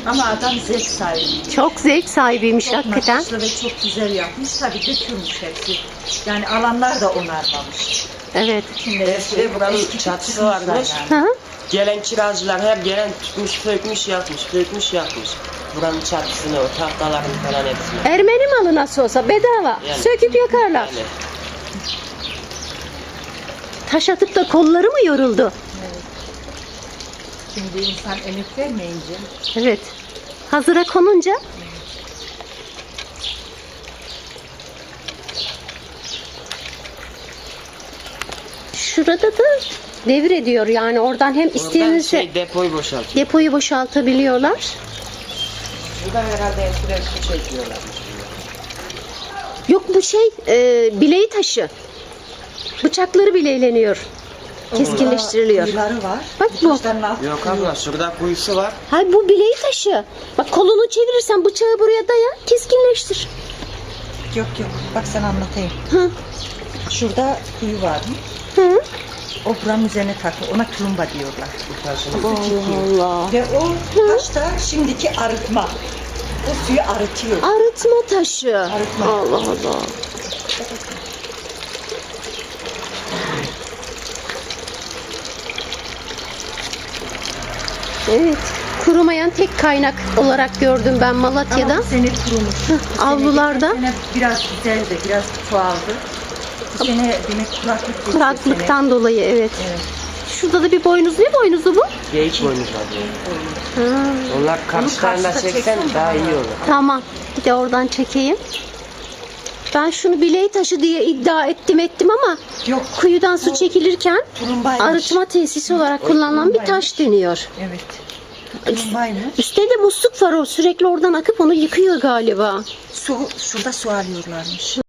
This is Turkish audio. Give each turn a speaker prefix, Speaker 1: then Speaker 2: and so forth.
Speaker 1: Ama adam zevk sahibi.
Speaker 2: Çok zevk sahibiymiş
Speaker 1: Çok
Speaker 2: hakikaten.
Speaker 1: nakışlı ve çok güzel yapmış. Tabii dökülmüş hepsi. Yani alanlar da onarmamış.
Speaker 2: Evet.
Speaker 3: Eskide buranın çatısı varmış.
Speaker 2: Hı hı.
Speaker 3: Gelen kiracılar hep gelen tutmuş, sökmüş, yakmış. Buranın çatısını, o tahtaların falan hepsini.
Speaker 2: Ermeni malı nasıl olsa bedava.
Speaker 3: Yani.
Speaker 2: Söküp yakarlar.
Speaker 3: Yani.
Speaker 2: Taş atıp da kolları mı yoruldu?
Speaker 1: Şimdi insan emek vermeyince
Speaker 2: Evet. Hazıra konunca şurada da devrediyor yani oradan hem
Speaker 3: Oradan
Speaker 2: isteyenizse
Speaker 3: depoyu boşaltıyor.
Speaker 2: depoyu boşaltabiliyorlar.
Speaker 3: Buradan herhalde eskiden su çekiyorlarmış.
Speaker 2: Yok bu bileği taşı. Bıçakları bileyleniyor. Keskinleştiriliyor.
Speaker 1: kuyuları var.
Speaker 2: Bak bu.
Speaker 1: Taşların altı
Speaker 3: Yok
Speaker 1: kuyu.
Speaker 3: abla, şurada kuyusu var.
Speaker 2: Hayır bu bileği taşı. Bak kolunu çevirirsen bıçağı buraya daya keskinleştir.
Speaker 1: Yok. Bak sana anlatayım.
Speaker 2: Hı.
Speaker 1: Şurada kuyu var.
Speaker 2: Hı.
Speaker 1: O buranın üzerine takı. Ona tulumba diyorlar.
Speaker 3: Bu taşın
Speaker 2: Allah Allah.
Speaker 1: Ve o taş da şimdiki arıtma. O suyu arıtıyor.
Speaker 2: Arıtma taşı.
Speaker 1: Arıtma.
Speaker 2: Allah Allah. Evet. Kurumayan tek kaynak olarak gördüm ben Malatya'da.
Speaker 1: Ama bu sene kurumuş. Bu sene
Speaker 2: Avlularda.
Speaker 1: geçen sene biraz güzeldi, biraz çoğaldı. Bu sene demek kuraklık geçti.
Speaker 2: Kuraklıktan dolayı evet.
Speaker 1: Evet.
Speaker 2: Şurada da bir boynuz. Ne boynuzu bu?
Speaker 3: geyik boynuzu var.
Speaker 2: Ha,
Speaker 3: Onlar karşılarında
Speaker 1: karşıda
Speaker 3: çeksen
Speaker 1: çeksen
Speaker 3: daha
Speaker 1: daha
Speaker 3: iyi olur.
Speaker 2: tamam. Bir de oradan çekeyim. Ben şunu bileği taşı diye iddia ettim ama
Speaker 1: Yok,
Speaker 2: kuyudan su çekilirken
Speaker 1: tulumbaymış.
Speaker 2: arıtma tesisi olarak kullanılan bir taş deniyor.
Speaker 1: Evet. Tulumbaymış.
Speaker 2: Üstte de musluk var o sürekli oradan akıp onu yıkıyor galiba.
Speaker 1: Şurada su alıyorlarmış.